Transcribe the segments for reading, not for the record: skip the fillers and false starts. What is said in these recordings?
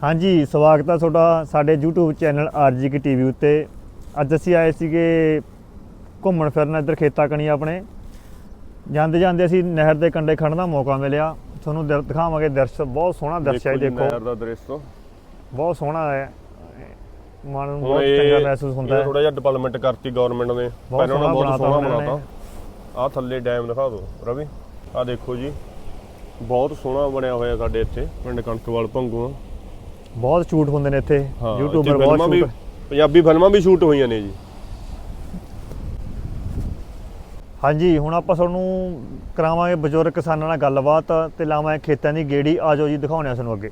ਹਾਂਜੀ ਸਵਾਗਤ ਹੈ ਤੁਹਾਡਾ ਸਾਡੇ YouTube ਚੈਨਲ RGK TV ਉੱਤੇ। ਅੱਜ ਅਸੀਂ ਆਏ ਸੀਗੇ ਘੁੰਮਣ ਫਿਰਨ ਇੱਧਰ ਖੇਤਾਂ ਕਣੀ ਆਪਣੇ। ਜਾਂਦੇ ਜਾਂਦੇ ਅਸੀਂ ਨਹਿਰ ਦੇ ਕੰਢੇ ਖੜਨ ਦਾ ਮੌਕਾ ਮਿਲਿਆ। ਤੁਹਾਨੂੰ ਦਿਖਾਵਾਂਗੇ ਦ੍ਰਿਸ਼, ਬਹੁਤ ਸੋਹਣਾ ਦ੍ਰਿਸ਼ ਹੈ। ਦੇਖੋ ਨਹਿਰ ਦਾ ਦ੍ਰਿਸ਼ ਤੋਂ ਬਹੁਤ ਸੋਹਣਾ ਹੈ, ਮਨ ਨੂੰ ਬਹੁਤ ਚੰਗਾ ਮਹਿਸੂਸ ਹੁੰਦਾ ਹੈ। ਥੋੜਾ ਜਿਹਾ ਡਿਵੈਲਪਮੈਂਟ ਕਰਤੀ ਗਵਰਨਮੈਂਟ ਨੇ, ਪਹਿਲਾਂ ਨਾਲੋਂ ਬਹੁਤ ਸੋਹਣਾ ਬਣਾਤਾ। ਆਹ ਥੱਲੇ ਡੈਮ ਦਿਖਾ ਦਿਓ ਰਵੀ, ਆਹ ਦੇਖੋ ਜੀ ਬਹੁਤ ਸੋਹਣਾ ਬਣਿਆ ਹੋਇਆ ਸਾਡੇ ਇੱਥੇ ਪਿੰਡ ਕਣਕਵਾਲ ਭੰਗੂ। ਬਹੁਤ ਸ਼ੂਟ ਹੁੰਦੇ ਨੇ ਇੱਥੇ, ਯੂਟਿਊਬਰ ਬਹੁਤ ਸ਼ੂਟ, ਪੰਜਾਬੀ ਫਿਲਮਾਂ ਵੀ ਸ਼ੂਟ ਹੋਈਆਂ ਨੇ ਜੀ। ਹਾਂਜੀ ਹੁਣ ਆਪਾਂ ਤੁਹਾਨੂੰ ਕਰਾਵਾਂਗੇ ਬਜ਼ੁਰਗ ਕਿਸਾਨਾਂ ਨਾਲ ਗੱਲਬਾਤ ਤੇ ਲਾਵਾਂਗੇ ਖੇਤਾਂ ਦੀ ਗੇੜੀ। ਆ ਜਾਓ ਜੀ ਦਿਖਾਉਂਦੇ ਆ ਤੁਹਾਨੂੰ ਅੱਗੇ।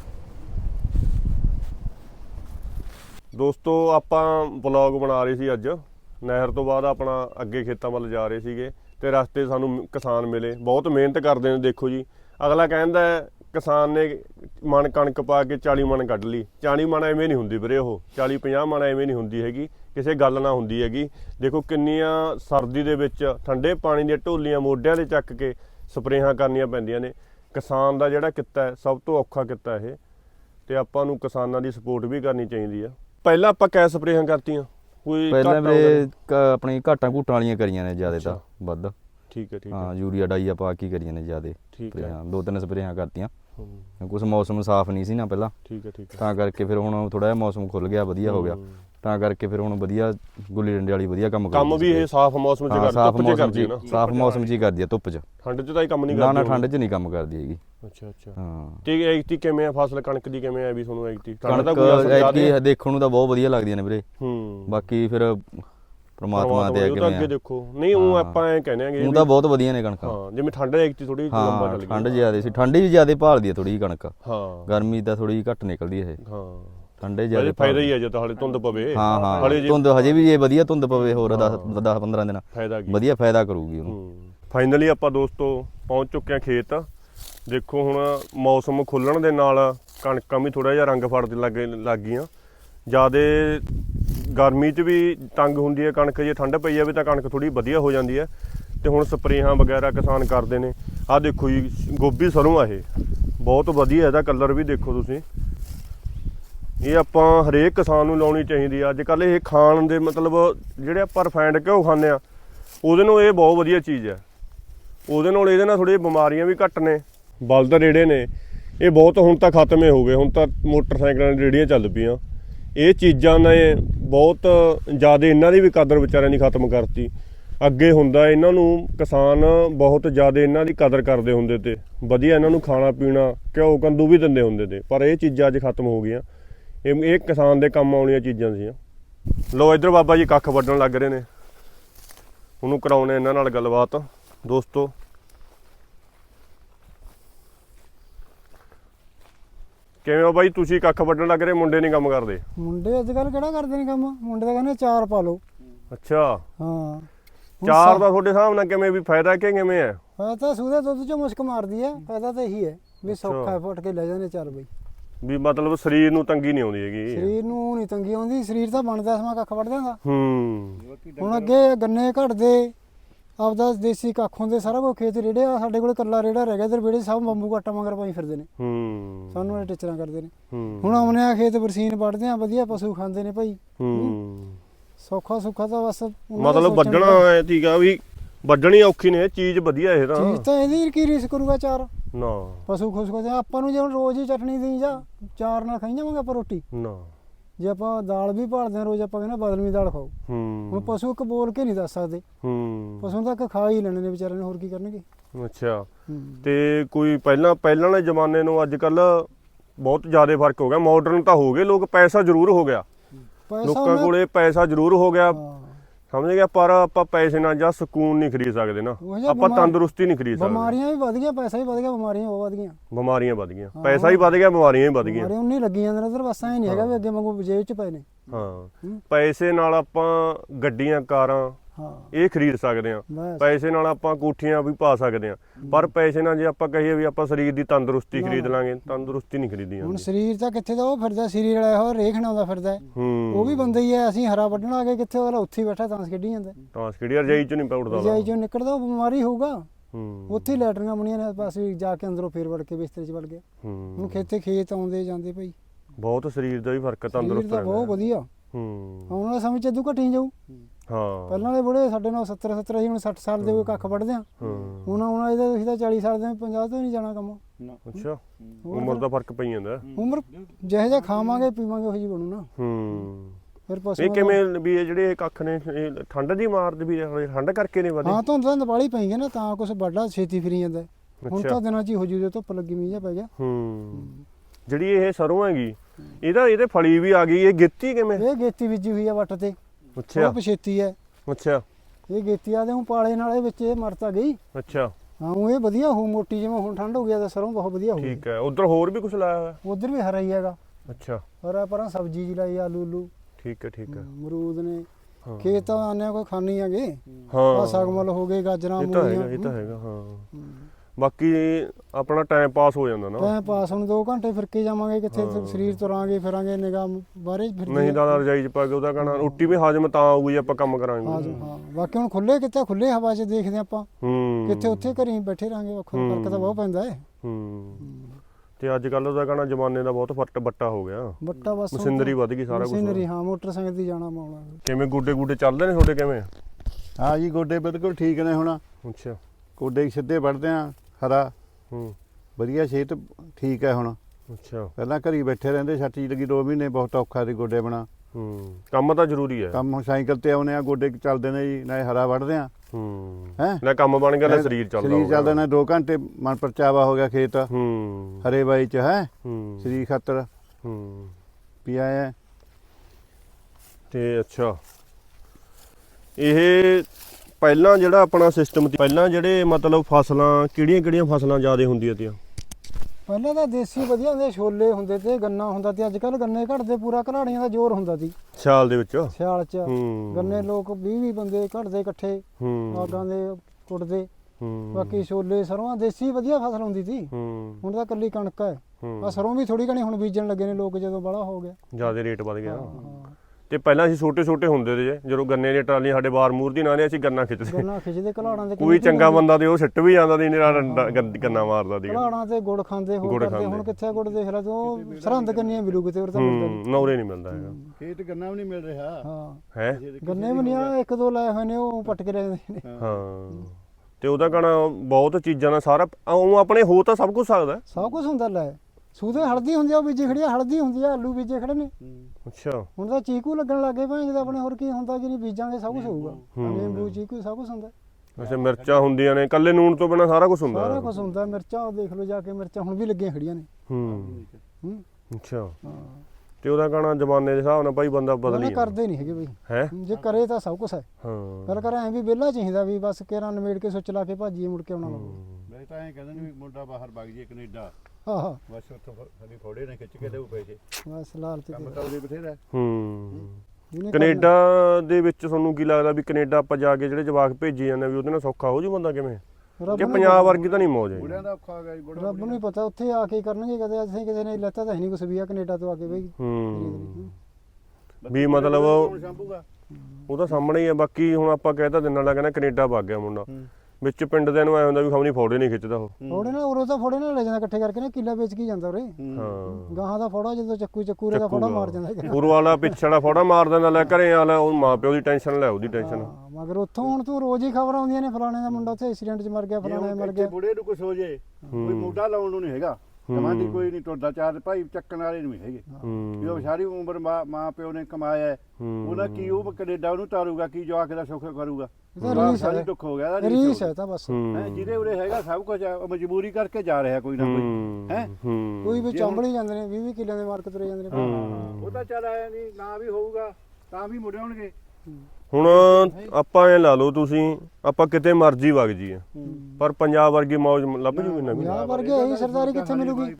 ਦੋਸਤੋ ਆਪਾਂ ਵਲੌਗ ਬਣਾ ਰਹੇ ਸੀ ਅੱਜ ਨਹਿਰ ਤੋਂ ਬਾਅਦ, ਆਪਣਾ ਅੱਗੇ ਖੇਤਾਂ ਵੱਲ ਜਾ ਰਹੇ ਸੀਗੇ ਤੇ ਰਸਤੇ ਸਾਨੂੰ ਕਿਸਾਨ ਮਿਲੇ, ਬਹੁਤ ਮਿਹਨਤ ਕਰਦੇ ਨੇ। ਦੇਖੋ ਜੀ ਅਗਲਾ ਕਹਿੰਦਾ ਕਿਸਾਨ ਨੇ ਮਣ ਕਣਕ ਪਾ ਕੇ 40 ਮਣ ਕੱਢ ਲਈ। 40 ਮਣ ਐਵੇਂ ਨਹੀਂ ਹੁੰਦੀ ਵੀਰੇ, ਉਹ 40-50 ਮਣ ਐਵੇਂ ਨਹੀਂ ਹੁੰਦੀ ਹੈਗੀ, ਕਿਸੇ ਗੱਲ ਨਾ ਹੁੰਦੀ ਹੈਗੀ। ਦੇਖੋ ਕਿੰਨੀਆਂ ਸਰਦੀ ਦੇ ਵਿੱਚ ਠੰਡੇ ਪਾਣੀ ਦੀਆਂ ਢੋਲੀਆਂ ਮੋਢਿਆਂ 'ਤੇ ਚੱਕ ਕੇ ਸਪਰੇਹਾਂ ਕਰਨੀਆਂ ਪੈਂਦੀਆਂ ਨੇ। ਕਿਸਾਨ ਦਾ ਜਿਹੜਾ ਕਿੱਤਾ ਹੈ ਸਭ ਤੋਂ ਔਖਾ ਕਿੱਤਾ ਇਹ, ਤੇ ਆਪਾਂ ਨੂੰ ਕਿਸਾਨਾਂ ਦੀ ਸਪੋਰਟ ਵੀ ਕਰਨੀ ਚਾਹੀਦੀ ਆ। ਪਹਿਲਾਂ ਆਪਾਂ ਕੈ ਸਪਰੇਹਾਂ ਕਰਤੀਆਂ? ਕੋਈ ਪਹਿਲਾਂ ਵੀ ਆਪਣੀ ਘਾਟਾਂ ਘੂਟਾਂ ਵਾਲੀਆਂ ਕਰੀਆਂ ਨੇ ਜ਼ਿਆਦਾ ਤਾਂ ਵੱਧ। ਠੀਕ ਹੈ ਠੀਕ ਹੈ। ਹਾਂ ਯੂਰੀਆ ਡਾਈਆ ਪਾ ਕੇ ਕਰੀਆਂ ਨੇ ਜ਼ਿਆਦਾ। ਠੀਕ ਹੈ। 2-3 ਸਪਰੇਹਾਂ ਕਰਤੀਆਂ। ਕੁਛ ਮੌਸਮ ਸਾਫ਼ ਨਹੀਂ ਸੀ ਨਾ ਪਹਿਲਾਂ, ਠੀਕ ਹੈ ਠੀਕ ਹੈ। ਤਾਂ ਕਰਕੇ ਫਿਰ ਹੁਣ ਥੋੜਾ ਜਿਹਾ ਮੌਸਮ ਖੁੱਲ ਗਿਆ, ਵਧੀਆ ਹੋ ਗਿਆ, ਤਾਂ ਕਰਕੇ ਫਿਰ ਹੁਣ ਵਧੀਆ ਗੁੱਲੀ ਡੰਡੇ ਵਾਲੀ ਵਧੀਆ ਕੰਮ ਵੀ ਇਹ ਸਾਫ਼ ਮੌਸਮ 'ਚ ਕਰਦੀ, ਸਾਫ਼ ਧੁੱਪ 'ਚ ਕਰਦੀ ਹੈ ਨਾ? ਸਾਫ਼ ਮੌਸਮ 'ਚ ਹੀ ਕਰਦੀ ਆ, ਧੁੱਪ 'ਚ। ਠੰਡ 'ਚ ਤਾਂ ਇਹ ਕੰਮ ਨਹੀਂ ਕਰਦੀ ਨਾ ਠੰਡ 'ਚ ਨਹੀਂ ਕੰਮ ਕਰਦੀ ਹੈਗੀ। ਅੱਛਾ ਅੱਛਾ। ਹਾਂ ਤੇ ਐਗਤੀ ਕਿਵੇਂ ਆ ਫਸਲ ਕਣਕ ਦੀ, ਕਿਵੇਂ ਆ ਵੀ ਤੁਹਾਨੂੰ ਐਗਤੀ? ਕਣਕ ਦੇਖਣ ਨੂੰ ਤਾਂ ਬਹੁਤ ਵਧੀਆ ਲੱਗਦੀਆਂ ਨੇ ਵੀਰੇ। ਬਾਕੀ ਫਿਰ ਪ੍ਰਮਾਤਮਾ ਦੇ ਅੱਗੇ ਦੇਖੋ। ਨਹੀਂ ਉਹ ਆਪਾਂ ਐ ਕਹਿੰਦੇ ਆਂਗੇ ਉਹ ਤਾਂ ਬਹੁਤ ਵਧੀਆ ਨੇ ਕਣਕਾਂ। ਹਾਂ ਜਿਵੇਂ ਠੰਡ ਐਗਤੀ ਥੋੜੀ ਲੰਬਾ ਚੱਲ ਗਈ। ਠੰਡ ਜ਼ਿਆਦਾ ਸੀ, ਠੰਡੀ ਵੀ ਜ਼ਿਆਦਾ ਭਾਲਦੀ ਹੈ ਥੋੜੀ ਕਣਕ। ਹਾਂ ਗਰਮੀ ਤਾਂ ਥੋੜੀ ਘੱਟ ਨਿਕਲਦੀ ਹੈ। ਹਾਂ ਠੰਡੇ ਜ਼ਿਆਦਾ ਫਾਇਦਾ ਹੀ ਹੈ ਜੇ ਤਾਂ ਹਾਲੇ ਧੁੰਦ ਪਵੇ। ਹਾਂ ਧੁੰਦ ਹਜੇ ਵੀ ਜੇ ਵਧੀਆ ਧੁੰਦ ਪਵੇ ਹੋਰ 10-15 ਦਿਨ ਫਾਇਦਾ ਕੀ, ਵਧੀਆ ਫਾਇਦਾ ਕਰੂਗੀ ਉਹਨੂੰ। ਫਾਈਨਲੀ ਆਪਾਂ ਦੋਸਤੋ ਪਹੁੰਚ ਚੁੱਕੇ ਹਾਂ ਖੇਤ। ਦੇਖੋ ਹੁਣ ਮੌਸਮ ਖੁੱਲਣ ਦੇ ਨਾਲ ਕਣਕਾਂ ਵੀ ਥੋੜਾ ਜਿਹਾ ਰੰਗ ਫੜਨ ਲੱਗ ਗਈਆਂ। ਜ਼ਿਆਦਾ ਗਰਮੀ 'ਚ ਵੀ ਤੰਗ ਹੁੰਦੀ ਹੈ ਕਣਕ, ਜੇ ਠੰਡ ਪਈ ਜਾਵੇ ਤਾਂ ਕਣਕ ਥੋੜੀ ਵਧੀਆ ਹੋ ਜਾਂਦੀ ਹੈ। ਤੇ ਹੁਣ ਸਪਰੇਹਾਂ ਵਗੈਰਾ ਕਿਸਾਨ ਕਰਦੇ ਨੇ। ਆਹ ਦੇਖੋ ਜੀ ਗੋਭੀ ਸਰੋਂ ਆ, ਇਹ ਬਹੁਤ ਵਧੀਆ, ਇਹਦਾ ਕਲਰ ਵੀ ਦੇਖੋ ਤੁਸੀਂ। ਇਹ ਆਪਾਂ ਹਰੇਕ ਕਿਸਾਨ ਨੂੰ ਲਾਉਣੀ ਚਾਹੀਦੀ ਆ। ਅੱਜ ਕੱਲ੍ਹ ਇਹ ਖਾਣ ਦੇ ਮਤਲਬ ਜਿਹੜੇ ਆਪਾਂ ਰਿਫਾਈਨਡ ਘਿਓ ਖਾਂਦੇ ਆ ਉਹਦੇ ਨਾਲ ਇਹ ਬਹੁਤ ਵਧੀਆ ਚੀਜ਼ ਹੈ। ਉਹਦੇ ਨਾਲ ਇਹਦੇ ਨਾਲ ਥੋੜ੍ਹੀਆਂ ਬਿਮਾਰੀਆਂ ਵੀ ਘੱਟ ਨੇ। ਬਲਦ ਰੇੜੇ ਨੇ ਇਹ ਬਹੁਤ ਹੁਣ ਤਾਂ ਖਤਮ ਹੀ ਹੋ ਗਏ, ਹੁਣ ਤਾਂ ਮੋਟਰਸਾਈਕਲਾਂ ਦੀਆਂ ਰੇੜੀਆਂ ਚੱਲ ਪਈਆਂ। ਇਹ ਚੀਜ਼ਾਂ ਨੇ ਬਹੁਤ ਜ਼ਿਆਦਾ ਇਹਨਾਂ ਦੀ ਵੀ ਕਦਰ ਵਿਚਾਰਿਆਂ ਦੀ ਖਤਮ ਕਰਤੀ। ਅੱਗੇ ਹੁੰਦਾ ਇਹਨਾਂ ਨੂੰ ਕਿਸਾਨ ਬਹੁਤ ਜ਼ਿਆਦਾ ਇਹਨਾਂ ਦੀ ਕਦਰ ਕਰਦੇ ਹੁੰਦੇ ਤੇ ਵਧੀਆ ਇਹਨਾਂ ਨੂੰ ਖਾਣਾ ਪੀਣਾ ਘਿਓ ਕੰਦੂ ਵੀ ਦਿੰਦੇ ਹੁੰਦੇ ਤੇ, ਪਰ ਇਹ ਚੀਜ਼ਾਂ ਅੱਜ ਖਤਮ ਹੋ ਗਈਆਂ। ਇਹ ਕਿਸਾਨ ਦੇ ਕੰਮ ਆਉਣੀਆਂ ਚੀਜ਼ਾਂ ਸੀਆਂ। ਲੋ ਇੱਧਰ ਬਾਬਾ ਜੀ ਕੱਖ ਵੱਢਣ ਲੱਗ ਰਹੇ ਨੇ, ਉਹਨੂੰ ਕਰਾਉਣੇ ਇਹਨਾਂ ਨਾਲ ਗੱਲਬਾਤ ਦੋਸਤੋ। ਕਿਵੇਂ ਹੋ ਬਾਈ, ਤੁਸੀਂ ਕੱਖ ਵੱਢਣ ਲੱਗ ਰਹੇ, ਮੁੰਡੇ ਨਹੀਂ ਕੰਮ ਕਰਦੇ? ਮੁੰਡੇ ਅੱਜ ਕੱਲ ਕਿਹੜਾ ਕਰਦੇ ਨੇ ਕੰਮ, ਮੁੰਡੇ ਤਾਂ ਕਹਿੰਦੇ ਚਾਰ ਪਾ ਲਓ। ਅੱਛਾ ਹਾਂ ਚਾਰ ਦਾ ਤੁਹਾਡੇ ਹਿਸਾਬ ਨਾਲ ਕਿਵੇਂ ਵੀ ਫਾਇਦਾ ਕਿ ਕਿਵੇਂ ਹੈ? ਫਾਇਦਾ ਸੂਦੇ ਦੁੱਧ ਚੋਂ ਮੁਸ਼ਕ ਮਾਰਦੀ ਹੈ, ਫਾਇਦਾ ਤਾਂ ਇਹੀ ਹੈ ਵੀ ਸੌਖਾ ਫੁੱਟ ਕੇ ਲੈ ਜਾਂਦੇ ਚਾਰ ਬਈ। ਵੀ ਮਤਲਬ ਸਰੀਰ ਨੂੰ ਤੰਗੀ ਨਹੀਂ ਆਉਂਦੀ ਹੈਗੀ? ਸਰੀਰ ਨੂੰ ਨਹੀਂ ਤੰਗੀ ਆਉਂਦੀ, ਸਰੀਰ ਤਾਂ ਬਣਦਾ ਸਮਾਂ ਕੱਖ ਵੱਢ ਦਿੰਦਾ। ਹੁਣ ਅੱਗੇ ਗੰਨੇ ਘਟਦੇ, ਆਪਦਾ ਦੇਸੀ ਕੱਖ ਹੁੰਦੇ, ਸਾਰਾ ਕੁਝ ਖੇਤ ਰੇੜੇ ਆ। ਸਾਡੇ ਕੋਲ ਕੱਲਾ ਰੇੜਾ ਰਹਿ ਗਿਆ, ਇਧਰ ਵਿਹੜੇ ਸਭ ਬੰਬੂ ਕੱਟਾ ਮਗਰ ਪਾਈ ਫਿਰਦੇ ਨੇ। ਸਾਨੂੰ ਇਹ ਟਿਚਰਾਂ ਕਰਦੇ ਨੇ। ਹੁਣ ਆਉਣੇ ਆ ਖੇਤ ਬਰਸੀਨ ਵੱਢਦੇ ਆ, ਵਧੀਆ ਪਸ਼ੂ ਖਾਂਦੇ ਨੇ ਭਾਈ। ਸੌਖਾ ਸੁੱਖਾ ਤਾਂ ਬਸ ਮਤਲਬ ਵੱਢਣਾ ਐ ਠੀਕ ਆ ਵੀ ਵੱਢਣੀ ਔਖੀ ਨੇ, ਚੀਜ਼ ਵਧੀਆ ਇਹ ਤਾਂ। ਚੀਜ਼ ਤਾਂ ਇਹਦੀ ਕੀ ਰੀਸ ਕਰੂਗਾ ਚਾਰ ਨਾ, ਪਸ਼ੂ ਖੁਸ਼ ਕਰਦੇ ਆਪਾਂ ਨੂੰ। ਜੇ ਹੁਣ ਰੋਜ਼ ਹੀ ਚਟਣੀ ਦੇਈ ਜਾ, ਚਾਰ ਨਾਲ ਖਾਈ ਜਾਵਾਂਗੇ ਆਪਾਂ ਰੋਟੀ ਨਾ। ਜੇ ਆਪਾਂ ਦਾਲ ਵੀ ਭਾਲਦੇ ਆ ਰੋਜ਼, ਆਪਾਂ ਕਹਿੰਦੇ ਬਦਲਵੀਂ ਦਾਲ ਖਾਓ। ਹੁਣ ਪਸ਼ੂ ਇੱਕ ਬੋਲ ਕੇ ਨਹੀਂ ਦੱਸ ਸਕਦੇ, ਪਸ਼ੂ ਤਾਂ ਖਾ ਹੀ ਲੈਣੇ ਨੇ ਵਿਚਾਰੇ ਨੇ, ਹੋਰ ਕੀ ਕਰਨਗੇ। ਅੱਛਾ ਤੇ ਕੋਈ ਪਹਿਲਾਂ ਵਾਲੇ ਜ਼ਮਾਨੇ ਨੂੰ ਅੱਜ ਕੱਲ ਬਹੁਤ ਜ਼ਿਆਦਾ ਫਰਕ ਹੋ ਗਿਆ। ਮਾਡਰਨ ਤਾਂ ਹੋ ਗਏ ਲੋਕ, ਪੈਸਾ ਜ਼ਰੂਰ ਹੋ ਗਿਆ ਲੋਕਾਂ ਕੋਲੇ, ਪੈਸਾ ਜ਼ਰੂਰ ਹੋ ਗਿਆ, ਸਮਝ ਗਿਆ, ਪਰ ਆਪਾਂ ਪੈਸੇ ਨਾਲ ਜਾਂ ਸਕੂਨ ਨਹੀਂ ਖਰੀਦ ਸਕਦੇ ਨਾ, ਆਪਾਂ ਤੰਦਰੁਸਤੀ ਨਹੀਂ ਖਰੀਦ ਸਕਦੇ। ਬਿਮਾਰੀਆਂ ਵੀ ਵਧ ਗਈਆਂ, ਪੈਸਾ ਵੀ ਵਧ ਗਿਆ, ਬਿਮਾਰੀਆਂ ਬਹੁਤ ਵਧ ਗਈਆਂ। ਬਿਮਾਰੀਆਂ ਵਧ ਗਈਆਂ, ਪੈਸਾ ਹੀ ਵਧ ਗਿਆ, ਬਿਮਾਰੀਆਂ ਵੀ ਵਧ ਗਈਆਂ। ਬਿਮਾਰੀਆਂ ਉਨੀ ਲੱਗੀ ਜਾਂਦੇ ਨੇ ਉਧਰ, ਬਸ ਐ ਨਹੀਂ ਹੈਗਾ ਵੀ ਅੱਗੇ ਵਾਂਗੂ ਜੇਬ 'ਚ ਪਏ ਨੇ। ਹਾਂ ਪੈਸੇ ਨਾਲ ਆਪਾਂ ਗੱਡੀਆਂ ਕਾਰਾਂ ਇਹ ਖਰੀਦ ਸਕਦੇ ਆ, ਪੈਸੇ ਨਾਲ ਆਪਾਂ ਕੋਠੀਆਂ ਵੀ ਪਾ ਸਕਦੇ ਆ, ਪਰ ਪੈਸੇ ਨਾਲ ਜੇ ਆਪਾਂ ਕਹੀਏ ਵੀ ਆਪਾਂ ਸਰੀਰ ਦੀ ਤੰਦਰੁਸਤੀ ਖਰੀਦ ਲਾਂਗੇ, ਤੰਦਰੁਸਤੀ ਨਹੀਂ ਖਰੀਦੀ। ਹੁਣ ਸਰੀਰ ਤਾਂ ਕਿੱਥੇ ਦਾ ਉਹ ਫਿਰਦਾ, ਸਰੀਰ ਵਾਲਾ ਉਹ ਰੇਖ ਬਣਾਉਂਦਾ ਫਿਰਦਾ, ਉਹ ਵੀ ਬੰਦਾ ਹੀ ਹੈ। ਅਸੀਂ ਹਰਾ ਵੱਢਣ ਆ ਗਏ, ਕਿੱਥੇ ਉਹਦਾ ਉੱਥੇ ਹੀ ਬੈਠਾ ਤਾਂਸ ਖੇਡੀ ਜਾਂਦਾ। ਤਾਂਸ ਖੇਡੀ ਰਜਾਈ ਚੋਂ ਨਹੀਂ ਉੱਠਦਾ, ਰਜਾਈ ਚੋਂ ਨਿਕਲਦਾ, ਉਹ ਬਿਮਾਰੀ ਹੋਊਗਾ। ਉੱਥੇ ਲੈਟਰੀਆਂ ਬਣੀਆਂ ਨੇ, ਬਸ ਜਾ ਕੇ ਅੰਦਰੋਂ ਫੇਰ ਵੜ ਕੇ ਬਿਸਤਰੇ 'ਚ ਵੜ ਗਿਆ। ਹੁਣ ਖੇਤ ਆਉਂਦੇ ਜਾਂਦੇ ਭਾਈ। ਬਹੁਤ ਸਰੀਰ ਦਾ ਵੀ ਫਰਕ ਸਰੀਰ ਤੰਦਰੁਸਤ ਦਾ ਬਹੁਤ ਰਹਿੰਦਾ। ਵਧੀਆ। ਹੂੰ ਆਉਣ ਵਾਲੇ ਸਮੇਂ ਚ ਇਦੋਂ ਘਟੀ ਜਾਊ। ਹਾਂ ਪਹਿਲਾਂ ਦੇ ਬੁੜੇ ਸਾਡੇ ਨਾਲ 70 ਸੀ, ਹੁਣ 60 ਸਾਲ ਦੇ ਕੋਈ ਕੱਖ ਵੱਢਦੇ ਆ। ਹਾਂ ਹੁਣ ਆਉਣ ਵਾਲੇ ਤਾਂ ਤੁਸੀਂ ਤਾਂ 40 ਸਾਲ ਦੇ 50 ਤੋਂ ਨਹੀਂ ਜਾਣਾ ਕੰਮ। ਅੱਛਾ ਉਮਰ ਦਾ ਫਰਕ ਪਈ ਜਾਂਦਾ। ਉਮਰ ਜਿਹੋ ਜਿਹਾ ਖਾਵਾਂਗੇ ਪੀਵਾਂਗੇ ਉਹੀ ਬਣੂ ਨਾ। ਹੂੰ ਫਿਰ ਇਹ ਪਸ਼ੂ ਕਿਵੇਂ ਵੀ ਇਹ ਜਿਹੜੇ ਕੱਖ ਨੇ ਇਹ ਠੰਡ ਦੀ ਮਾਰਦੇ ਵੀ ਠੰਡ ਕਰਕੇ ਨੇ ਵਧੇ। ਹਾਂ ਧੁੰਦ ਤਾਂ ਦਿਵਾਲੀ ਪਈ ਗਈ ਨਾ ਤਾਂ ਕੁਛ ਵੱਡਾ ਛੇਤੀ ਫਿਰੀ ਜਾਂਦਾ। ਹੁਣ ਅੱਛਾ। ਤਾਂ ਦਿਨਾਂ 'ਚ ਹੀ ਹੋ ਜੂ, ਜੇ ਧੁੱਪ ਲੱਗੀ ਮੀਂਹ ਜਿਹਾ ਪੈ ਗਿਆ। ਹੂੰ ਜਿਹੜੀ ਇਹ ਸਰੋਂ ਹੈਗੀ ਇਹਦੇ ਫਲੀ ਵੀ ਆ ਗਈ, ਇਹ ਗਿੱਤੀ ਕਿਵੇਂ? ਇਹ ਗੇਤੀ ਬੀਜੀ ਹੋਈ ਆ ਵੱਟ ਤੇ, ਅੱਛਾ ਉਹ ਪਛੇਤੀ ਹੈ। ਅੱਛਾ ਇਹ ਗੇਤੀ ਆ ਦੇ ਉਹ ਪਾਲੇ ਨਾਲੇ ਵਿੱਚ ਇਹ ਮਰਤਾ ਗਈ। ਅੱਛਾ ਹਾਂ ਉਹ ਇਹ ਵਧੀਆ ਹੋ ਮੋਟੀ, ਜਿਵੇਂ ਹੁਣ ਠੰਡ ਹੋ ਗਿਆ ਤਾਂ ਸਰੋਂ ਬਹੁਤ ਵਧੀਆ ਹੋ ਗਈ। ਠੀਕ ਹੈ। ਉਧਰ ਹੋਰ ਵੀ ਕੁਝ ਲਾਇਆ ਹੋਇਆ? ਉਧਰ ਵੀ ਹਰਾ ਹੀ ਹੈਗਾ। ਅੱਛਾ ਹਰਾ ਪਰਾਂ ਸਬਜ਼ੀ ਜੀ ਲਾਈ, ਆਲੂ ਉਲੂ, ਠੀਕ ਹੈ ਠੀਕ ਹੈ। ਅਮਰੂਦ ਨੇ। ਹਾਂ ਖੇਤ ਤਾਂ ਆਨੇ ਕੋਈ ਖਾਣੀ ਹੈਗੇ। ਹਾਂ ਆ ਸਾਗਮਲ ਹੋ ਗਏ, ਗਾਜਰਾਂ, ਇਹ ਤਾਂ ਮੂਲੀਆਂ। ਹੈਗਾ, ਇਹ ਤਾਂ ਹੈਗਾ। ਹਾਂ ਬਾਕੀ ਆਪਣਾ ਟਾਈਮ ਪਾਸ ਹੋ ਜਾਂਦਾ ਨਾ। ਟਾਈਮ ਪਾਸ ਹੁਣ 2 ਘੰਟੇ ਫਿਰ ਕੇ ਜਾਵਾਂਗੇ ਕਿੱਥੇ, ਸਰੀਰ ਤੁਰਾਂਗੇ ਫਿਰਾਂਗੇ, ਨਿਗਾਹ ਬਾਹਰੇ ਫਿਰਦੀ ਨਹੀਂ ਤਾਂ ਰਜਾਈ ਚ ਪਾ ਕੇ ਉਹਦਾ ਕਹਣਾ ਰੋਟੀ ਵੀ ਹਾਜ਼ਮ ਤਾਂ ਆਊਗੀ ਆਪਾਂ ਕੰਮ ਕਰਾਂਗੇ। ਹਾਂ ਬਾਕੀ ਹੁਣ ਖੁੱਲੇ ਕਿੱਥੇ, ਖੁੱਲੇ ਹਵਾ 'ਚ ਦੇਖਦੇ ਆਪਾਂ ਹੂੰ ਕਿੱਥੇ, ਉੱਥੇ ਘਰੀ ਬੈਠੇ ਰਾਂਗੇ। ਔਖਾ ਫਰਕ ਤਾਂ ਬਹੁਤ ਪੈਂਦਾ ਹੈ। ਹੂੰ ਤੇ ਅੱਜ ਕੱਲ ਉਹਦਾ ਕਹਣਾ ਜ਼ਮਾਨੇ ਦਾ ਬਹੁਤ ਫਰਕ ਬੱਟਾ ਹੋ ਗਿਆ। ਬੱਟਾ ਬਸ ਮਸ਼ੀਨਰੀ ਵੱਧ ਗਈ, ਸਾਰਾ ਕੁਝ। ਮਸ਼ੀਨਰੀ ਹਾਂ, ਮੋਟਰਸਾਈਕਲ ਦੀ ਜਾਣਾ ਪਾਉਣਾ। ਕਿਵੇਂ ਗੋਡੇ ਗੋਡੇ ਚੱਲਦੇ ਨੇ ਤੁਹਾਡੇ ਕਿਵੇਂ? ਹਾਂ ਜੀ ਗੋਡੇ ਬਿਲਕੁਲ ਠੀਕ ਨੇ ਹੁਣ। ਅੱਛਾ ਗੋਡੇ ਸਿੱਧੇ ਵੱਢਦੇ ਆ, ਹਰਾ ਹੂੰ ਵਧੀਆ, ਸਿਹਤ ਠੀਕ ਹੈ ਹੁਣ। ਅੱਛਾ ਪਹਿਲਾਂ ਘਰੀ ਬੈਠੇ ਰਹਿੰਦੇ, ਸੱਟ ਜੀ ਲੱਗੀ 2 ਮਹੀਨੇ, ਬਹੁਤ ਔਖਾ ਸੀ ਗੋਡੇ ਬਣਾ। ਹੂੰ ਕੰਮ ਤਾਂ ਜ਼ਰੂਰੀ ਹੈ। ਕੰਮ ਹੁਣ ਸਾਈਕਲ ਤੇ ਆਉਨੇ ਆ, ਗੋਡੇ ਚੱਲਦੇ ਨੇ ਜੀ, ਨਾ ਹਰਾ ਵੱਢਦੇ ਆ। ਹੂੰ ਹੈਂ? ਲੈ ਕੰਮ ਬਣ ਗਿਆ, ਲੈ ਸਰੀਰ ਚੱਲਦਾ ਸਰੀਰ ਹੋ ਗਿਆ। ਚੱਲਦਾ ਨੇ 2 ਘੰਟੇ ਮਨ ਪਰਚਾਵਾ ਹੋ ਗਿਆ ਖੇਤ ਹੂੰ ਹਰੇ ਬਾਈ ਚ ਹੈ ਹੂੰ ਸਰੀਰ ਖਾਤਰ ਹੂੰ ਵੀ ਆਇਆ। ਤੇ ਅੱਛਾ ਇਹ ਪਹਿਲਾਂ ਜਿਹੜਾ ਆਪਣਾ ਸਿਸਟਮ ਸੀ, ਪਹਿਲਾਂ ਜਿਹੜੇ ਮਤਲਬ ਫਸਲਾਂ ਕਿਹੜੀਆਂ ਫਸਲਾਂ ਜ਼ਿਆਦਾ ਹੁੰਦੀਆਂ ਤੀਆਂ? ਪਹਿਲਾਂ ਤਾਂ ਦੇਸੀ ਵਧੀਆ ਹੁੰਦੇ, ਛੋਲੇ ਹੁੰਦੇ ਤੇ ਗੰਨਾ ਹੁੰਦਾ ਤੇ। ਅੱਜ ਕੱਲ ਗੰਨੇ ਘਟਦੇ, ਪੂਰਾ ਘਲਾੜੀਆਂ ਦਾ ਜ਼ੋਰ ਹੁੰਦਾ ਸੀ ਸਿਆਲ ਦੇ ਵਿੱਚ। ਸਿਆਲ 'ਚ। ਹੂੰ ਗੰਨੇ ਲੋਕ 20 ਬੰਦੇ ਘਟਦੇ ਇਕੱਠੇ, ਹੂੰ ਆਗਾਂ ਦੇ ਕੁੱਟਦੇ। ਹੂੰ ਬਾਕੀ ਛੋਲੇ ਸਰੋਂ ਦੇਸੀ ਵਧੀਆ ਫਸਲ ਹੁੰਦੀ ਸੀ। ਹੂੰ ਹੁਣ ਤਾਂ ਕੱਲੀ ਕਣਕ ਹੈ। ਹੂੰ ਆ ਸਰੋਂ ਵੀ ਥੋੜੀ ਘਣੀ ਹੁਣ ਬੀਜਣ ਲੱਗੇ ਨੇ ਲੋਕ, ਜਦੋਂ ਬੜਾ ਹੋ ਗਿਆ। ਜ਼ਿਆਦਾ ਰੇਟ ਵੱਧ ਗਿਆ। ਹਾਂ ਤੇ ਪਹਿਲਾਂ ਅਸੀਂ ਛੋਟੇ ਹੁੰਦੇ ਤੇ ਜਦੋਂ ਗੰਨੇ ਦੀ ਟਰਾਲੀ ਸਾਡੇ ਬਾਰ ਮੂਰ ਦੀ ਨਾਲੇ ਅਸੀਂ ਗੰਨਾ ਖਿੱਚਦੇ। ਗੰਨਾ ਖਿੱਚਦੇ ਘਲਾੜਾਂ ਦੇ, ਕੋਈ ਚੰਗਾ ਬੰਦਾ ਤੇ ਉਹ ਸਿੱਟ ਵੀ ਜਾਂਦਾ ਦੀ ਗੰਨਾ ਮਾਰਦਾ ਦੀ। ਘਲਾੜਾਂ ਤੇ ਗੁੜ ਖਾਂਦੇ, ਹੋਰ ਗੁੜ ਕਰਦੇ। ਖਾਂਦੇ। ਹੁਣ ਕਿੱਥੇ ਗੁੜ ਦੇਖ ਲੈ ਤੂੰ, ਸਰਹੰਦ ਕੰਨੀਆਂ ਮਿਲੂ ਕਿਤੇ, ਹੋਰ ਤਾਂ ਮਿਲਦਾ ਨਹੀਂ। ਨੌਰੇ ਨਹੀਂ ਮਿਲਦਾ ਹੈਗਾ। ਖੇਤ ਗੰਨਾ ਵੀ ਨਹੀਂ ਮਿਲ ਰਿਹਾ ਹਾਂ ਹੈ। ਗੰਨੇ ਵੀ ਨਹੀਂ ਆ, 1-2 ਲਾਏ ਹੋਏ ਨੇ, ਉਹ ਪੱਟ ਕੇ ਲੈ ਜਾਂਦੇ ਨੇ। ਹਾਂ ਤੇ ਉਹਦਾ ਕਹਣਾ ਬਹੁਤ ਚੀਜ਼ਾਂ ਨਾਲ ਸਾਰਾ ਉਹ ਆਪਣੇ ਹੋ ਤਾਂ ਸਭ ਕੁਝ ਸਕਦਾ। ਸਭ ਕੁਝ ਹੁੰਦਾ ਲੈ। ਸੂਦੇ ਹਲਦੀ ਹੁੰਦੀ ਆ, ਉਹ ਬੀਜੇ ਖੜੀ ਆ, ਹਲਦੀ ਹੁੰਦੀ ਆ, ਆਲੂ ਬੀਜੇ ਖੜੇ ਨੇ। ਅੱਛਾ ਹੁਣ ਤਾਂ ਚੀਕੂ ਲੱਗਣ ਲੱਗੇ ਭਾਵੇਂ, ਜਦੋਂ ਆਪਣੇ ਹੋਰ ਕੀ ਹੁੰਦਾ, ਜਿਹਨੇ ਬੀਜਾਂਗੇ ਸਭ ਕੁਝ ਹੋਊਗਾ। ਨਿੰਬੂ, ਚੀਕੂ ਸਭ ਕੁਝ ਹੁੰਦਾ। ਅੱਛਾ ਮਿਰਚਾਂ ਹੁੰਦੀਆਂ ਨੇ, ਕੱਲੇ ਨੂਣ ਤੋਂ ਬਿਨਾ ਸਾਰਾ ਕੁਝ ਹੁੰਦਾ। ਸਾਰਾ ਕੁਝ ਹੁੰਦਾ। ਮਿਰਚਾਂ ਉਹ ਦੇਖ ਲਓ ਜਾ ਕੇ, ਮਿਰਚਾਂ ਹੁਣ ਵੀ ਲੱਗੀਆਂ ਖੜੀਆਂ ਨੇ। ਹੂੰ ਅੱਛਾ ਹਾਂ ਤੇ ਉਹਦਾ ਕਹਣਾ ਜ਼ਮਾਨੇ ਦੇ ਹਿਸਾਬ ਨਾਲ ਭਾਈ ਬੰਦਾ ਬਦਲ ਹੀ ਕਰਦੇ ਨਹੀਂ ਹੈਗੇ ਬਈ। ਹੈ। ਜੇ ਕਰੇ ਤਾਂ ਸਭ ਕੁਝ ਹੈ। ਹਾਂ ਗੱਲ ਕਰ ਐਂ ਵੀ ਵਿਹਲਾ ਚਾਹੀਦਾ ਵੀ ਬਸ ਕੇਰਾਂ ਨਿਮੇੜ ਕੇ ਸੁੱਚ ਲਾ ਕੇ ਭਾਜੀਏ, ਮੁੜ ਕੇ ਆਉਣਾ ਵਾ। ਮੈਂ ਤਾਂ ਐਂ ਕਹਿੰਦੇ ਨੇ ਵੀ ਮੁੰਡਾ ਬਾਹਰ ਵਗ ਜੇ ਕੈਨੇਡਾ, ਆਹ ਬਸ ਉੱਥੋਂ ਸਾਡੀ ਥੋੜੇ ਨੇ ਖਿੱਚ ਕੇ ਦੇਊ ਪੈਸੇ, ਬਸ ਲਾਲਚ ਕੰਮ ਤੇ ਤਾਂ ਉਹਦੇ ਬਥੇਰਾ। ਜਿਹਨੇ ਕੈਨੇਡਾ ਦੇ ਵਿੱਚ ਤੁਹਾਨੂੰ ਕੀ ਲੱਗਦਾ ਵੀ ਕੈਨੇਡਾ ਆਪਾਂ ਜਾ ਕੇ ਜਿਹੜੇ ਜਵਾਕ ਭੇਜੀ ਜਾਂਦੇ ਵੀ ਉਹਦੇ ਨਾਲ ਸੌਖਾ ਹੋ ਜੂ ਬੰਦਾ ਕਿਵੇਂ? ਰੱਬ ਕਿ ਨੂੰ ਪੰਜਾਬ ਵਰਗੀ ਤਾਂ ਨਹੀਂ ਮੌਜ ਹੈ। ਬੁੜਿਆਂ ਦਾ ਔਖਾ ਹੋ ਗਿਆ ਜੀ, ਬੁੜਾ ਰੱਬ ਨੂੰ ਹੀ ਪਤਾ ਉੱਥੇ ਆ ਕੇ ਕਰਨਗੇ। ਕਦੇ ਅਸੀਂ ਕਿਸੇ ਨੇ ਲੈਤਾ ਤਾਂ ਹੈ ਨਹੀਂ ਕੁਛ ਵੀ ਆ ਕੈਨੇਡਾ ਤੋਂ ਆ ਕੇ ਬਈ। ਵੀ ਮਤਲਬ ਕੌਣ ਸੰਭੂਗਾ? ਉਹ ਤਾਂ ਸਾਹਮਣੇ ਹੀ ਆ। ਬਾਕੀ ਹੁਣ ਆਪਾਂ ਕਹਿ ਤਾਂ ਦਿਨ ਵਾਲਾ ਕਹਿੰਦਾ ਕੈਨੇਡਾ ਵਗ ਗਿਆ ਮੁੰਡਾ, ਵਿੱਚ ਪਿੰਡ ਦੇ ਨੂੰ ਐ ਹੁੰਦਾ ਵੀ ਖਮਣੀ ਫੋੜੇ ਨਹੀਂ ਖਿੱਚਦਾ ਉਹ। ਫੋੜੇ ਨਾਲ ਉਰੋਂ ਤਾਂ ਫੋੜੇ ਨਾਲ ਲੈ ਜਾਂਦਾ ਇਕੱਠੇ ਕਰਕੇ ਨਾ, ਕਿੱਲਾ ਵੇਚ ਕੇ ਜਾਂਦਾ ਉਰੇ। ਹਾਂ ਗਾਹਾਂ ਦਾ ਫੋੜਾ ਜਦੋਂ ਚੱਕੂਰੇ ਦਾ ਫੋੜਾ ਮਾਰ ਜਾਂਦਾ ਹੈਗਾ। ਉਰ ਵਾਲਾ ਪਿੱਛੜਾ ਫੋੜਾ ਮਾਰ ਦਿੰਦਾ, ਲੈ ਘਰੇ ਵਾਲਾ ਉਹ ਮਾਂ ਪਿਓ ਦੀ ਟੈਨਸ਼ਨ ਲੈ ਉਹਦੀ ਟੈਨਸ਼ਨ। ਹਾਂ, ਮਗਰ ਉੱਥੋਂ ਹੁਣ ਤੂੰ ਰੋਜ਼ ਹੀ ਖਬਰ ਆਉਂਦੀਆਂ ਨੇ, ਫਲਾਣੇ ਦਾ ਮੁੰਡਾ ਉੱਥੇ ਐਕਸੀਡੈਂਟ 'ਚ ਮਰ ਗਿਆ, ਫਲਾਣੇ ਮਰ ਗਿਆ। ਬੁੜੇ ਨੂੰ ਕੁਝ ਹੋ ਜੇ, ਕੋਈ ਮੋਢਾ ਲਾਉਣ ਨੂੰ ਨਹੀਂ ਹੈਗਾ, ਕਮਾਂਡੀ ਕੋਈ ਨਹੀਂ ਟੁੱਟਦਾ। 4 ਭਾਈ ਚੱਕਣ ਵਾਲੇ ਨਹੀਂ ਹੈਗੇ। ਜੋ ਸਾਰੀ ਉਮਰ ਮਾਂ ਪਿਓ ਨੇ ਕਮਾਇਆ ਹੈ, ਉਹਦਾ ਕੀ ਉਹ ਕੈਨੇਡਾ ਉਹਨੂੰ ਤਾਰੂਗਾ, ਕੀ ਜਵਾਕ ਦਾ ਸੁੱਖ ਕਰੂਗਾ? ਸਾਰੀ ਦੁੱਖ ਹੋ ਗਿਆ, ਰੀਸ ਹੈ ਤਾਂ ਬਸ। ਜਿਹਦੇ ਉਰੇ ਹੈਗਾ ਸਭ ਕੁਝ, ਮਜਬੂਰੀ ਕਰਕੇ ਜਾ ਰਿਹਾ ਕੋਈ ਨਾ ਕੋਈ ਹੈ। ਕੋਈ ਵੀ ਚੰਬਲ ਹੀ ਜਾਂਦੇ ਨੇ, 20 ਕਿੱਲਿਆਂ ਦੇ ਮਾਰਕ ਤੁਰੇ ਜਾਂਦੇ ਨੇ। ਉਹ ਤਾਂ ਚੱਲ ਆਇਆ ਨਹੀਂ, ਨਾ ਵੀ ਹੋਊਗਾ ਤਾਂ ਵੀ ਮੁੜੇ ਹੋਣਗੇ। ਹੁਣ ਆਪਾਂ ਐ ਲਾ ਲਓ ਤੁਸੀਂ, ਆਪਾਂ ਕਿਤੇ ਮਰਜ਼ੀ ਵਗ ਜੀਏ ਪਰ ਪੰਜਾਬ ਵਰਗੀ ਮੌਜ ਲੱਭ ਜੂਗੀ ਨਾ? ਪੰਜਾਬ ਵਰਗੇ ਇਹੀ ਸਰਦਾਰੀ ਕਿੱਥੇ ਮਿਲੂਗੀ?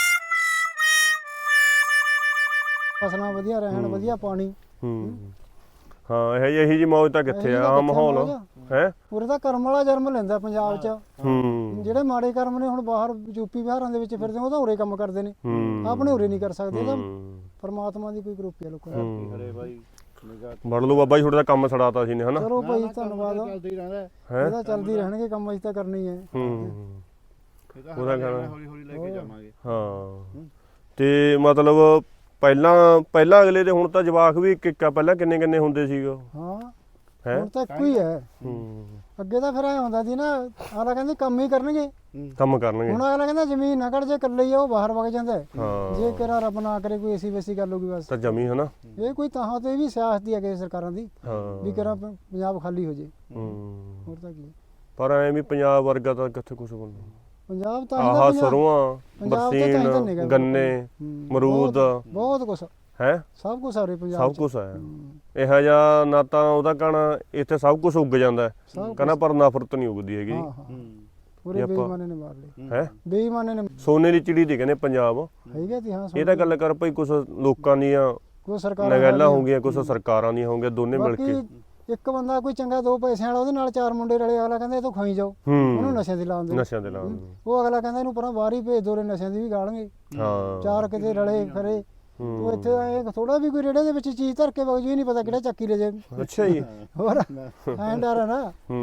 ਫਸਲਾਂ ਵਧੀਆ ਰਹਿਣ, ਵਧੀਆ ਪਾਣੀ। ਹਾਂ ਇਹੀ ਜੀ ਮੌਜ ਤਾਂ ਕਿੱਥੇ ਆ? ਆ ਮਾਹੌਲ ਹੈ ਉਰੇ ਤਾਂ ਕਰਮ ਵਾਲਾ ਜਨਮ ਲੈਂਦਾ ਪੰਜਾਬ 'ਚ। ਜਿਹੜੇ ਮਾੜੇ ਕਰਮ ਨੇ ਹੁਣ ਬਾਹਰ ਯੂਪੀ ਬਿਹਾਰਾਂ ਦੇ ਵਿੱਚ ਫਿਰਦੇ, ਉਹ ਤਾਂ ਉਰੇ ਕੰਮ ਕਰਦੇ ਨੇ, ਆਪਣੇ ਉਰੇ ਨਹੀਂ ਕਰ ਸਕਦੇ। ਤਾਂ ਪਰਮਾਤਮਾ ਦੀ ਕੋਈ ਗਰੁੱਪ ਹੈ ਲੋਕਾਂ ਦੀ। ਹਰੇ ਭਾਈ ਵੜ ਲਓ ਬਾਬਾ ਜੀ, ਤੁਹਾਡਾ ਕੰਮ ਛੜਾਤਾ ਸੀ ਨੇ ਹਨਾ। ਚਲੋ ਭਾਈ ਧੰਨਵਾਦ। ਚੱਲਦਾ ਹੀ ਰਹਿੰਦਾ ਇਹਦਾ ਚੱਲਦੀ ਰਹਿਣਗੇ ਕੰਮ, ਅਸੀਂ ਤਾਂ ਕਰਨੀ ਹੈ। ਉਹਦਾ ਹੌਲੀ ਹੌਲੀ ਲੈ ਕੇ ਜਾਵਾਂਗੇ। ਹਾਂ ਤੇ ਮਤਲਬ ਪਹਿਲਾਂ ਅਗਲੇ ਦੇ ਹੁਣ ਤਾਂ ਜਵਾਕ ਵੀ ਇੱਕ ਆ, ਪਹਿਲਾਂ ਕਿੰਨੇ ਕਿੰਨੇ ਹੁੰਦੇ ਸੀਗੇ ਹਾਂ ਹੈ। ਹੁਣ ਤਾਂ ਇੱਕੋ ਹੀ ਹੈ। ਅੱਗੇ ਤਾਂ ਫਿਰ ਐ ਹੁੰਦਾ ਸੀ ਨਾ, ਅਗਲਾ ਕਹਿੰਦੇ ਕੰਮ ਹੀ ਕਰਨਗੇ, ਕੰਮ ਕਰਨਗੇ। ਹੁਣ ਅਗਲਾ ਕਹਿੰਦਾ ਜ਼ਮੀਨ ਨਾ ਕੱਢ, ਜੇ ਇਕੱਲੇ ਹੀ ਆ ਉਹ ਬਾਹਰ ਵਗ ਜਾਂਦਾ ਹੈ। ਹਾਂ ਜੇ ਕਿਹੜਾ ਰੱਬ ਨਾ ਕਰੇ ਕੋਈ ਐਸੀ ਵੈਸੀ ਗੱਲ ਹੋਗੀ ਬਸ ਤਾਂ ਜਮੀ ਹਨਾ। ਇਹ ਕੋਈ ਤਾਂ ਤੇ ਵੀ ਸਿਆਸਤ ਦੀ ਹੈ ਸਰਕਾਰਾਂ ਦੀ ਹਾਂ ਵੀ ਕਿਹੜਾ ਪੰਜਾਬ ਖਾਲੀ ਹੋ ਜੇ, ਹੂੰ। ਹੋਰ ਤਾਂ ਕੀ। ਪਰ ਐ ਵੀ ਪੰਜਾਬ ਵਰਗਾ ਤਾਂ ਕਿੱਥੇ ਕੁਝ ਬਣਦਾ। ਪੰਜਾਬ ਤਾਂ ਹੀ ਆਹ ਤਾਂ ਸਰੋਆਂ, ਪੰਜਾਬ ਤਾਂ ਤਾਂ ਹੀ ਤਾਂ ਨਿਗਾ ਬਰਸੀਨ, ਗੰਨੇ, ਮਰੂਦ ਬਹੁਤ ਕੁਛ ਹੈ, ਸਭ ਕੁਛ ਆ ਰਿਹਾ ਪੰਜਾਬ ਸਭ ਕੁਝ ਹੈ। ਇਹੋ ਜਿਹਾ ਨਾ ਤਾਂ ਉਹਦਾ ਕਹਣਾ ਇੱਥੇ ਸਭ ਕੁਝ ਉੱਗ ਜਾਂਦਾ ਕਹਿੰਦਾ, ਪਰ ਨਫ਼ਰਤ ਨਹੀਂ ਉੱਗਦੀ ਹੈਗੀ। ਹਾਂ ਹਾਂ ਪੂਰੇ ਬੇਈਮਾਨੇ ਨੇ ਮਾਰ ਲਏ, ਹੈ। ਬੇਈਮਾਨੇ ਨੇ ਸੋਨੇ ਦੀ ਚਿੜੀ ਦੀ ਕਹਿੰਦੇ ਪੰਜਾਬ। ਹੈਗਾ ਤੀ ਹਾਂ। ਇਹ ਤਾਂ ਗੱਲ ਕਰ ਭਾਈ, ਕੁਝ ਲੋਕਾਂ ਦੀਆਂ ਕੋਈ ਸਰਕਾਰਾਂ ਨਗੈਲਾਂ ਹੋ ਗਈਆਂ, ਕੁਝ ਸਰਕਾਰਾਂ ਦੀਆਂ ਹੋ ਗਈਆਂ, ਦੋਨੇ ਮਿਲ ਕੇ। ਇੱਕ ਬੰਦਾ ਕੋਈ ਚੰਗਾ 2 ਪੈਸਿਆਂ ਵਾਲਾ, ਉਹਦੇ ਨਾਲ 4 ਮੁੰਡੇ ਰਲੇ, ਅਗਲਾ ਕਹਿੰਦਾ ਇਹ ਤੋਂ ਖਾਈ ਜਾਓ, ਉਹਨੂੰ ਨਸ਼ਿਆਂ ਦੀ ਲਾਉਣ ਦੇ, ਨਸ਼ਿਆਂ ਦੇ ਨਾਲ। ਉਹ ਅਗਲਾ ਕਹਿੰਦਾ ਇਹਨੂੰ ਪਰਾਂ ਬਾਹਰ ਹੀ ਭੇਜ ਦੋ, ਨਸ਼ਿਆਂ ਦੀ ਵੀ ਗਾਲਣਗੇ। ਹਾਂ 4 ਕਿਤੇ ਰਲੇ ਖਰੇ, ਉਹ ਇੱਥੇ ਆਏ ਥੋੜਾ ਵੀ ਕੋਈ ਰੇੜੇ ਦੇ ਵਿੱਚ ਚੀਜ਼ ਧਰ ਕੇ ਵਗ ਜੂ, ਨਹੀਂ ਪਤਾ ਕਿਹੜਾ ਚੱਕੀ ਲੈ ਜੇ। ਅੱਛਾ ਜੀ। ਹੋਰ ਐਂ ਡਰ ਹੈ ਨਾ।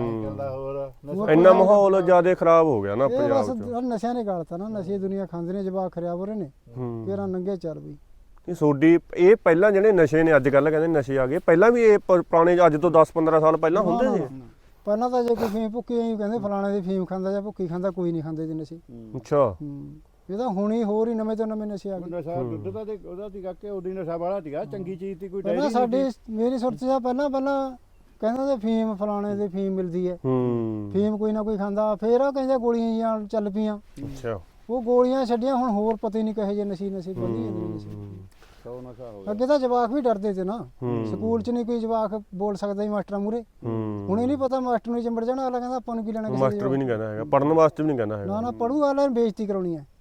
ਹੂੰ। ਇੰਨਾ ਮਾਹੌਲ ਜ਼ਿਆਦਾ ਖਰਾਬ ਹੋ ਗਿਆ ਨਾ ਇਹ ਬਸ ਪੰਜਾਬ 'ਚ। ਨਸ਼ਿਆਂ ਨੇ ਗਾਲਤਾ ਨਾ, ਨਸ਼ੇ ਦੁਨੀਆ ਖਾਂਦੇ ਨੇ, ਜਵਾਕ ਖਰਿਆ ਹੋ ਰਹੇ ਨੇ, ਕਿਹੜਾ ਨੰਗੇ ਚੱਲ ਬਈ। ਇਹ ਸੋਡੀ ਇਹ ਪਹਿਲਾਂ ਜਿਹੜੇ ਨਸ਼ੇ ਨੇ, ਅੱਜ ਕੱਲ੍ਹ ਕਹਿੰਦੇ ਨਸ਼ੇ ਆ ਗਏ, ਪਹਿਲਾਂ ਵੀ ਇਹ ਪੁਰਾਣੇ ਅੱਜ ਤੋਂ 10-15 ਸਾਲ ਪਹਿਲਾਂ ਹੁੰਦੇ ਸੀ। ਪਹਿਲਾਂ ਤਾਂ ਜੇ ਕੋਈ ਫੀਮ ਭੁੱਕੀ ਐਂ ਕਹਿੰਦੇ ਫਲਾਣੇ ਦੀ ਫੀਮ ਖਾਂਦਾ ਜਾਂ ਭੁੱਕੀ ਖਾਂਦਾ, ਕੋਈ ਨਹੀਂ ਖਾਂਦੇ ਜੀ ਨਸ਼ੇ। ਅੱਛਾ। ਇਹ ਤਾਂ ਹੁਣੀ ਹੋਰ ਹੀ ਨਵੇਂ ਤੋਂ ਨਵੇਂ ਨਸ਼ੇ ਆ ਗਏ। ਨਸ਼ਾ ਦੁੱਧ ਦਾ ਤੇ ਉਹਦਾ ਸੀਗਾ ਕਿ ਉਹਦੀ ਨਸ਼ਾ ਵਾਲਾ ਸੀਗਾ, ਚੰਗੀ ਚੀਜ਼ ਦੀ ਕੋਈ ਡੈਰੀ ਪਹਿਲਾਂ ਨਹੀਂ ਸਾਡੀ ਮੇਰੀ ਸੁਰਤ ਜਾਂ ਪਹਿਲਾਂ ਕਹਿੰਦਾ ਤੇ ਫੀਮ ਫਲਾਣੇ ਦੀ ਫੀਮ ਮਿਲਦੀ ਹੈ, ਫੀਮ ਕੋਈ ਨਾ ਕੋਈ ਖਾਂਦਾ, ਫੇਰ ਉਹ ਕਹਿੰਦੇ ਗੋਲੀਆਂ ਜੀਆਂ ਚੱਲ ਪਈਆਂ। ਅੱਛਾ। ਉਹ ਗੋਲੀਆਂ ਛੱਡੀਆਂ, ਹੁਣ ਹੋਰ ਪਤਾ ਹੀ ਨਹੀਂ ਕਹੇ ਜੇ ਨਸ਼ੇ ਵਧੀ ਜਾਂਦੇ ਨਸ਼ੇ। ਨਸ਼ਾ ਹੋ ਅੱਗੇ ਤਾਂ ਜਵਾਕ ਵੀ ਡਰਦੇ ਤੇ ਨਾ, ਸਕੂਲ 'ਚ ਨਹੀਂ ਕੋਈ ਜਵਾਕ ਬੋਲ ਸਕਦਾ ਸੀ ਮਾਸਟਰਾਂ ਮੂਰੇ। ਹੁਣ ਇਹ ਨਹੀਂ ਪਤਾ ਮਾਸਟਰ ਨੂੰ ਚੰਬੜ ਜਾਣਾ, ਅਗਲਾ ਕਹਿੰਦਾ ਆਪਾਂ ਨੂੰ ਕੀ ਲੈਣਾ ਕਿਸੇ ਮਾਸਟਰ ਵੀ ਨਹੀਂ ਕਹਿੰਦਾ ਹੈਗਾ, ਪੜਨ ਵਾਸਤੇ ਵੀ ਨਹੀਂ ਕਹਿੰਦਾ ਹੈਗਾ। ਨਾ ਪੜੂਗਾ, ਅਗਲਾ ਨੇ ਬੇਇੱਜ਼ਤੀ ਕਰਾਉਣੀ ਹੈ।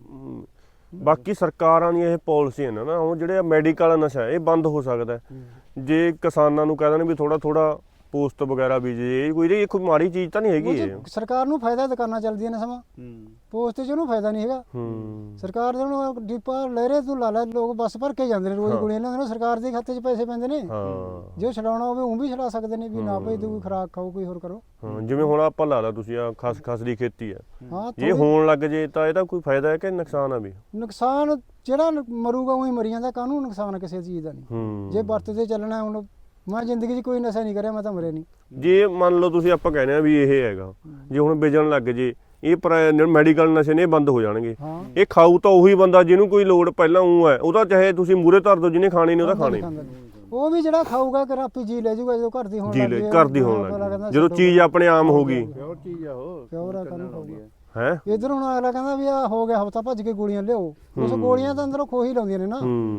ਬਾਕੀ ਸਰਕਾਰਾਂ ਦੀਆਂ ਇਹ ਪਾਲਿਸੀਆਂ ਨੇ ਨਾ, ਉਹ ਜਿਹੜੇ ਮੈਡੀਕਲ ਨਸ਼ਾ ਹੈ, ਇਹ ਬੰਦ ਹੋ ਸਕਦਾ ਜੇ ਕਿਸਾਨਾਂ ਨੂੰ ਕਹਿ ਦੇਣ ਵੀ ਥੋੜਾ ਥੋੜਾ ਪੋਸਟ ਵਗੈਰਾ ਬੀਜੇ। ਇਹ ਕੋਈ ਮਾੜੀ ਚੀਜ਼ ਤਾਂ ਨਹੀਂ ਹੈਗੀ ਇਹ। ਸਰਕਾਰ ਨੂੰ ਫਾਇਦਾ, ਦੁਕਾਨਾਂ ਚੱਲਦੀਆਂ ਨੇ ਸਮਾਂ, ਪੋਸਟ 'ਚ ਉਹਨੂੰ ਫਾਇਦਾ ਨਹੀਂ ਹੈਗਾ। ਸਰਕਾਰ ਦੇ ਉਹਨੂੰ ਡਿੱਪਾ ਲੈ ਰਹੇ, ਤੂੰ ਲਾ ਲੈ, ਲੋਕ ਬੱਸ ਭਰ ਕੇ ਜਾਂਦੇ ਨੇ ਰੋਜ਼, ਗੋਲੀਆਂ ਲੈਂਦੇ ਨੇ, ਸਰਕਾਰ ਦੇ ਖਾਤੇ 'ਚ ਪੈਸੇ ਪੈਂਦੇ ਨੇ। ਜੇ ਉਹ ਛਡਾਉਣਾ ਹੋਵੇ ਉਹ ਵੀ ਛਡਾ ਸਕਦੇ ਨੇ, ਵੀ ਨਾ ਭਾਈ ਤੂੰ ਖੁਰਾਕ ਖਾਓ, ਕੋਈ ਹੋਰ ਕਰੋ। ਜਿਵੇਂ ਹੁਣ ਆਪਾਂ ਲਾ ਲਾ, ਤੁਸੀਂ ਆ ਖਸ ਦੀ ਖੇਤੀ ਹੈ, ਹਾਂ ਜੇ ਹੋਣ ਲੱਗ ਜੇ ਤਾਂ ਇਹਦਾ ਕੋਈ ਫਾਇਦਾ ਹੈ ਕਿ ਨੁਕਸਾਨ ਆ ਵੀ? ਨੁਕਸਾਨ ਜਿਹੜਾ ਮਰੂਗਾ ਉਹੀ ਮਰੀ ਜਾਂਦਾ, ਕਾਹਨੂੰ ਨੁਕਸਾਨ ਕਿਸੇ ਚੀਜ਼ ਦਾ ਨਹੀਂ। ਜੇ ਵਰਤਦੇ ਚੱਲਣਾ, ਹੁਣ ਮੈਂ ਜ਼ਿੰਦਗੀ 'ਚ ਕੋਈ ਨਸ਼ਾ ਨਹੀਂ ਕਰਿਆ, ਮੈਂ ਤਾਂ ਮਰਿਆ ਨਹੀਂ। ਜੇ ਮੰਨ ਲਓ ਤੁਸੀਂ ਆਪਾਂ ਕਹਿੰਦੇ ਆ ਵੀ ਇਹ ਹੈਗਾ, ਜੇ ਹੁਣ ਵੇਚਣ ਲੱਗ ਜੇ ਇਹ ਮੈਡੀਕਲ ਨਸ਼ੇ ਨੇ, ਇਹ ਬੰਦ ਹੋ ਜਾਣਗੇ। ਇਹ ਖਾਊ ਤਾਂ ਉਹੀ ਬੰਦਾ ਜਿਹਨੂੰ ਕੋਈ ਲੋੜ ਪਹਿਲਾਂ ਹੈ, ਉਹਦਾ ਚਾਹੇ ਤੁਸੀਂ ਮੂਹਰੇ ਧਰ ਦਿਓ, ਜਿਹਨੇ ਖਾਣੀ ਨੇ ਉਹਦਾ ਖਾਣੇ। ਉਹ ਵੀ ਜਿਹੜਾ ਖਾਊਗਾ ਕਿ ਆਪੀ ਜੀ ਲੈ ਜਾਊਗਾ, ਜਦੋਂ ਘਰ ਦੀ ਹੋਣ ਲੱਗ ਗਈ, ਘਰ ਦੀ ਹੋਣ ਲੱਗ, ਜਦੋਂ ਚੀਜ਼ ਆਪਣੇ ਆਮ ਹੋ ਗਈ। ਪਿਓਰ ਚੀਜ਼ ਆ ਉਹ, ਪਿਓਰ ਆ, ਕਾਹਨੂੰ ਖਾਊਗਾ ਹੈ। ਇਧਰ ਹੁਣ ਅਗਲਾ ਕਹਿੰਦਾ ਵੀ ਆ ਹੋ ਗਿਆ ਹਫਤਾ, ਭੱਜ ਕੇ ਗੋਲੀਆਂ ਲਿਆਓ, ਉਸ ਗੋਲੀਆਂ ਤਾਂ ਅੰਦਰੋਂ ਖੋਹੀ ਲਾਉਂਦੀਆਂ ਨੇ ਨਾ।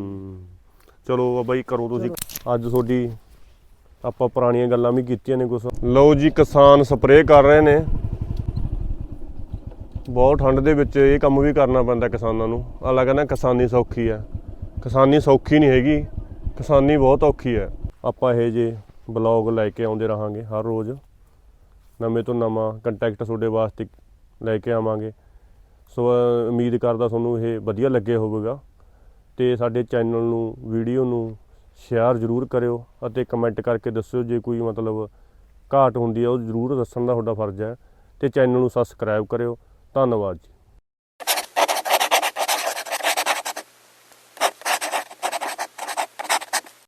ਚਲੋ ਬਾਈ ਕਰੋ ਤੁਸੀਂ। ਅੱਜ ਤੁਹਾਡੀ ਆਪਾਂ ਪੁਰਾਣੀਆਂ ਗੱਲਾਂ ਵੀ ਕੀਤੀਆਂ ਨੇ ਕੁਛ। ਲਓ ਜੀ, ਕਿਸਾਨ ਸਪਰੇਅ ਕਰ ਰਹੇ ਨੇ। ਬਹੁਤ ਠੰਡ ਦੇ ਵਿੱਚ ਇਹ ਕੰਮ ਵੀ ਕਰਨਾ ਪੈਂਦਾ ਕਿਸਾਨਾਂ ਨੂੰ। ਅਗਲਾ ਕਹਿੰਦਾ ਕਿਸਾਨੀ ਸੌਖੀ ਹੈ, ਕਿਸਾਨੀ ਸੌਖੀ ਨਹੀਂ ਹੈਗੀ, ਕਿਸਾਨੀ ਬਹੁਤ ਔਖੀ ਹੈ। ਆਪਾਂ ਇਹ ਜੇ ਬਲੌਗ ਲੈ ਕੇ ਆਉਂਦੇ ਰਹਾਂਗੇ ਹਰ ਰੋਜ਼, ਨਵੇਂ ਤੋਂ ਨਵਾਂ ਕੰਟੈਕਟ ਤੁਹਾਡੇ ਵਾਸਤੇ ਲੈ ਕੇ ਆਵਾਂਗੇ। ਸੋ ਉਮੀਦ ਕਰਦਾ ਤੁਹਾਨੂੰ ਇਹ ਵਧੀਆ ਲੱਗਿਆ ਹੋਵੇਗਾ, ਤੇ ਸਾਡੇ ਚੈਨਲ ਨੂੰ, ਵੀਡੀਓ ਨੂੰ ਸ਼ੇਅਰ ਜ਼ਰੂਰ ਕਰਿਓ, ਅਤੇ ਕਮੈਂਟ ਕਰਕੇ ਦੱਸਿਓ ਜੇ ਕੋਈ ਮਤਲਬ ਘਾਟ ਹੁੰਦੀ ਹੈ, ਉਹ ਜ਼ਰੂਰ ਦੱਸਣ ਦਾ ਤੁਹਾਡਾ ਫਰਜ਼ ਹੈ, ਤੇ ਚੈਨਲ ਨੂੰ ਸਬਸਕ੍ਰਾਈਬ ਕਰਿਓ। ਧੰਨਵਾਦ ਜੀ।